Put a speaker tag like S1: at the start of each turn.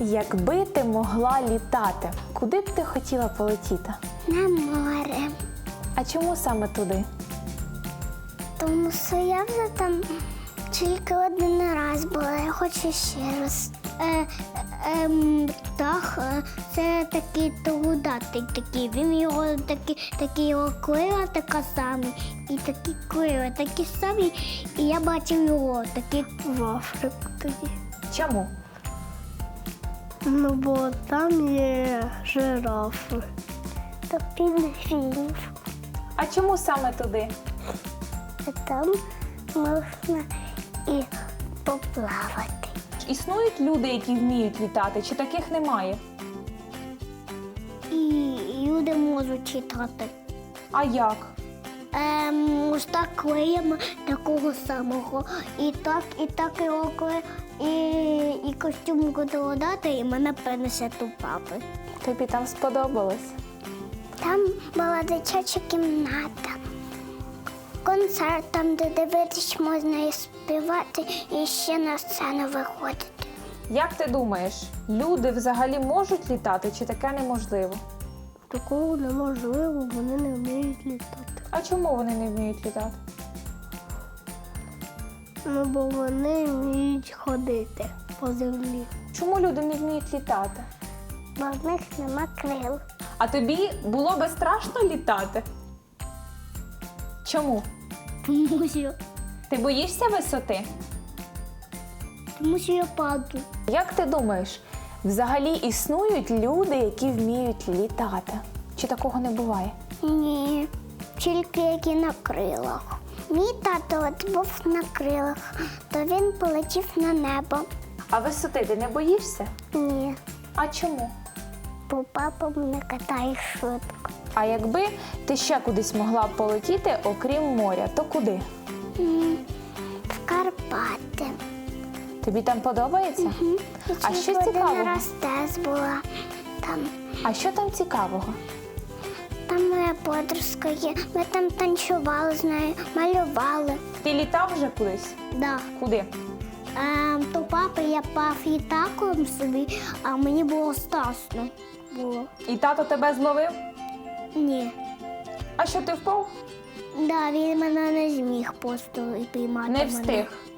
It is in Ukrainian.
S1: Якби ти могла літати, куди б ти хотіла полетіти?
S2: На море.
S1: А чому саме туди?
S2: Тому що я вже там тільки один раз була, я хочу ще раз. Птах це такий трудатий такий. Він його такі його крила така самі, і такі крила такі самі. І я бачив його такий в Африку тоді.
S1: Чому?
S2: Ну, бо там є жирафи. Та пінгвінів.
S1: А чому саме туди?
S2: А там можна і поплавати.
S1: Існують люди, які вміють літати, чи таких немає?
S2: І люди можуть читати.
S1: А як?
S2: Ось так клеєм такого самого. І так його і костюм буду дати, і мене принесе до папи.
S1: Тобі там сподобалось?
S2: Там була дитяча кімната. Концерт, там, де дивитись можна і співати, і ще на сцену виходити.
S1: Як ти думаєш, люди взагалі можуть літати, чи таке неможливо?
S2: Такого неможливо, вони не вміють літати.
S1: А чому вони не вміють літати?
S2: Ну, бо вони вміють ходити по землі.
S1: Чому люди не вміють літати?
S2: Бо в них нема крил.
S1: А тобі було би страшно літати? Чому? Ти боїшся висоти?
S2: Тому що я падаю.
S1: Як ти думаєш, взагалі існують люди, які вміють літати? Чи такого не буває?
S2: Ні, тільки які на крилах. Мій тато от був на крилах, то він полетів на небо.
S1: А висоти ти не боїшся?
S2: Ні,
S1: А чому?
S2: бо папа мене катає швидко.
S1: А якби ти ще кудись могла б полетіти, окрім моря, то куди?
S2: В Карпати.
S1: Тобі там подобається? А що
S2: Тільки
S1: цікавого?
S2: один раз теж була там.
S1: А що там цікавого?
S2: Там моя подружка є. Ми там танцювали з нею, малювали.
S1: Ти літав вже кудись?
S2: Да.
S1: Куди?
S2: То папа я пав літаком собі, а мені було страшно.
S1: І тато тебе зловив?
S2: Ні.
S1: А що ти впав?
S2: Да, він мене не зміг просто піймати.
S1: Не
S2: мене.
S1: встиг.